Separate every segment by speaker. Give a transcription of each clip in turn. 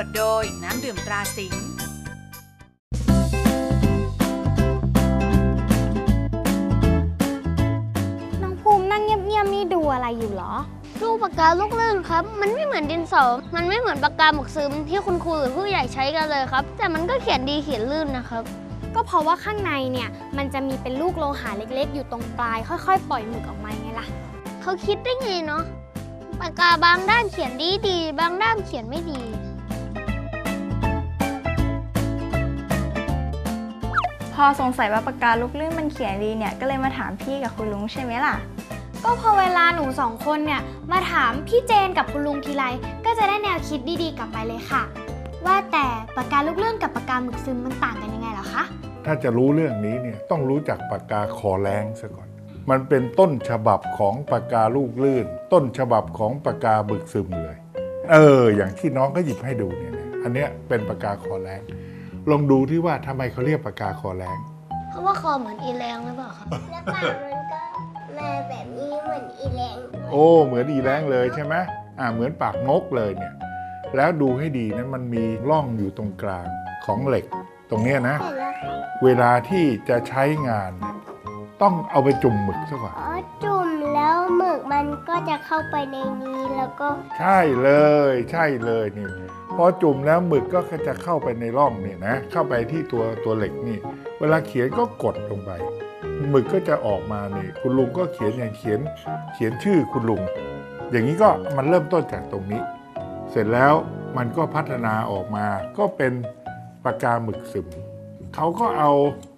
Speaker 1: ทโดยน้ำดื่มตราสิงห์
Speaker 2: น้องภูมินั่งเงียบๆนี่ดูอะไรอยู่เหรอ
Speaker 3: รูปปากกาลูกลื่นครับมันไม่เหมือนดินสอมันไม่เหมือนปากกาหมึกซึมที่คุณครูหรือผู้ใหญ่ใช้กันเลยครับแต่มันก็เขียนดีเขียนลื่นนะครับ
Speaker 2: ก็เพราะว่าข้างในเนี่ยมันจะมีเป็นลูกโลหะเล็กๆอยู่ตรงปลายค่อยๆปล่อยหมึกออกมาไงล่ะ
Speaker 3: เขาคิดได้ไงเนาะปากกาบางด้านเขียนดีบางด้านเขียนไม่ดี
Speaker 4: พอสงสัยว่าปากกาลูกลื่นมันเขียนดีเนี่ยก็เลยมาถามพี่กับคุณลุงใช่ไหมล่ะ
Speaker 2: ก็พอเวลาหนูสองคนเนี่ยมาถามพี่เจนกับคุณลุงทีไรก็จะได้แนวคิดดีๆกลับไปเลยค่ะว่าแต่ปากกาลูกลื่นกับปากกาหมึกซึมมันต่างกันยังไงเหรอคะ
Speaker 5: ถ้าจะรู้เรื่องนี้เนี่ยต้องรู้จักปากกาคอแรงซะก่อนมันเป็นต้นฉบับของปากกาลูกลื่นต้นฉบับของปากกาหมึกซึมเลยอย่างที่น้องก็หยิบให้ดูเนี่ยอันเนี้ยเป็นปากกาคอแรงลองดูที่ว่าทำไมเขาเรียกปากกาคอแรง
Speaker 3: เพราะว่าคอเหมือนอีแรงหรือเปล่าครับ
Speaker 6: แล้วปากมันก็มาแบบนี้เหมือนอีแรง
Speaker 5: เหมือนอีแรงเลยใช่ไหมเหมือนปากนกเลยเนี่ยแล้วดูให้ดีนะมันมีร่องอยู่ตรงกลางของเหล็กตรงนี้นะเวลาที่จะใช้งานต้องเอาไปจุ่มหมึกซะก่อน
Speaker 6: จุ่มแล้วหมึกมันก็จะเข้าไปในนี้แล้วก็
Speaker 5: ใช่เลยนี่พอจุ่มแล้วหมึกก็จะเข้าไปในร่องนี่นะเข้าไปที่ตัวเหล็กนี่เวลาเขียนก็กดลงไปหมึกก็จะออกมานี่คุณลุงก็เขียนชื่อคุณลุงอย่างนี้ก็มันเริ่มต้นจากตรงนี้เสร็จแล้วมันก็พัฒนาออกมาก็เป็นปากกาหมึกซึมเขาก็เอา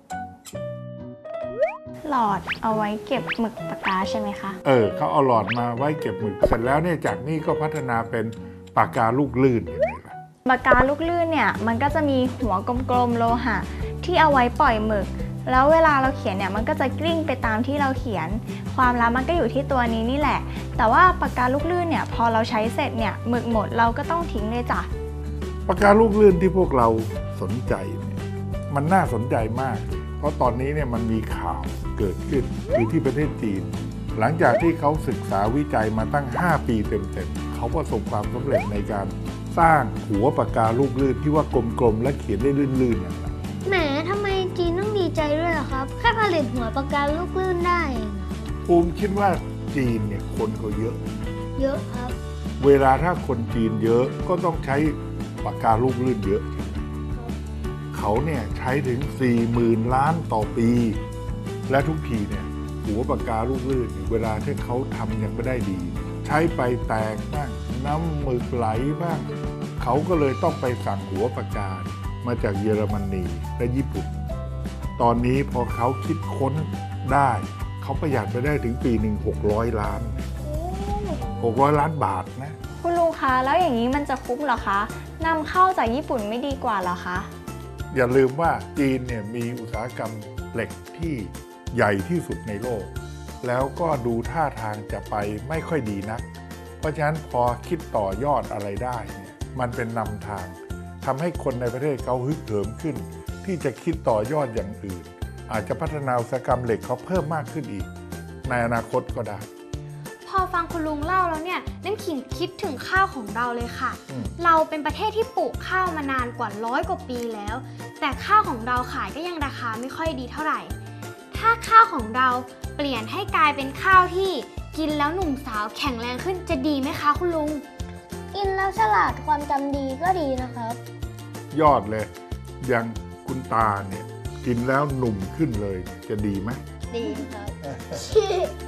Speaker 4: หลอดเอาไว้เก็บหมึกปากกาใช่ไหมคะ
Speaker 5: เขาเอาหลอดมาไว้เก็บหมึกเสร็จแล้วเนี่ยจากนี้ก็พัฒนาเป็นปากกาลูกลื่นเห็นไหมล่ะ
Speaker 4: ปากกาลูกลื่นเนี่ยมันก็จะมีหัวกลมๆโลหะที่เอาไว้ปล่อยหมึกแล้วเวลาเราเขียนเนี่ยมันก็จะกลิ้งไปตามที่เราเขียนความลับมันก็อยู่ที่ตัวนี้นี่แหละแต่ว่าปากกาลูกลื่นเนี่ยพอเราใช้เสร็จเนี่ยหมึกหมดเราก็ต้องทิ้งเลยจ้ะ
Speaker 5: ปากกาลูกลื่นที่พวกเราสนใจเนี่ยมันน่าสนใจมากเพราะตอนนี้เนี่ยมันมีข่าวเกิดขึ้นอยู่ที่ประเทศจีนหลังจากที่เขาศึกษาวิจัยมาตั้ง5 ปีเต็มๆเขาประสบความสำเร็จในการสร้างหัวปากกาลูกลื่นที่ว่ากลมๆและเขียนได้ลื่นๆอย่างนั้น
Speaker 3: แหมทำไมจีนต้องดีใจด้วยล่ะครับแค่ผลิตหัวปากกาลูกลื่นได้
Speaker 5: ภูมิคิดว่าจีนเนี่ยคนเขาเยอะ
Speaker 3: ครับ
Speaker 5: เวลาถ้าคนจีนเยอะก็ต้องใช้ปากกาลูกลื่นเยอะเขาเนี่ยใช้ถึง 40,000 ล้านต่อปีและทุกทีเนี่ยหัวปากกาลูกลื่นเวลาที่เขาทำยังไม่ได้ดีใช้ไปแตกบ้างน้ำหมึกไหลบ้างเขาก็เลยต้องไปสั่งหัวปากกามาจากเยอรมนีและญี่ปุ่นตอนนี้พอเขาคิดค้นได้เขาประหยัดไปได้ถึงปีหนึ่ง600 ล้านบาทนะ
Speaker 4: คุณลุงคะแล้วอย่างนี้มันจะคุ้มเหรอคะนำเข้าจากญี่ปุ่นไม่ดีกว่าเหรอคะ
Speaker 5: อย่าลืมว่าจีนเนี่ยมีอุตสาหกรรมเหล็กที่ใหญ่ที่สุดในโลกแล้วก็ดูท่าทางจะไปไม่ค่อยดีนักเพราะฉะนั้นพอคิดต่อยอดอะไรได้เนี่ยมันเป็นนำทางทำให้คนในประเทศเขาฮึกเหิมขึ้นที่จะคิดต่อยอดอย่างอื่นอาจจะพัฒนาอุตสาหกรรมเหล็กเขาเพิ่มมากขึ้นอีกในอนาคตก็ได้
Speaker 2: พอฟังคุณลุงเล่าแล้วเนี่ยน้ำขิงคิดถึงข้าวของเราเลยค่ะเราเป็นประเทศที่ปลูกข้าวมานานกว่า100 กว่าปีแล้วแต่ข้าวของเราขายก็ยังราคาไม่ค่อยดีเท่าไหร่ถ้าข้าวของเราเปลี่ยนให้กลายเป็นข้าวที่กินแล้วหนุ่มสาวแข็งแรงขึ้นจะดีไหมคะคุณลุง
Speaker 3: กินแล้วฉลาดความจำดีก็ดีนะครับ
Speaker 5: ยอดเลยอย่างคุณตาเนี่ยกินแล้วหนุ่มขึ้นเลยจะดีไหม
Speaker 3: ดีครับ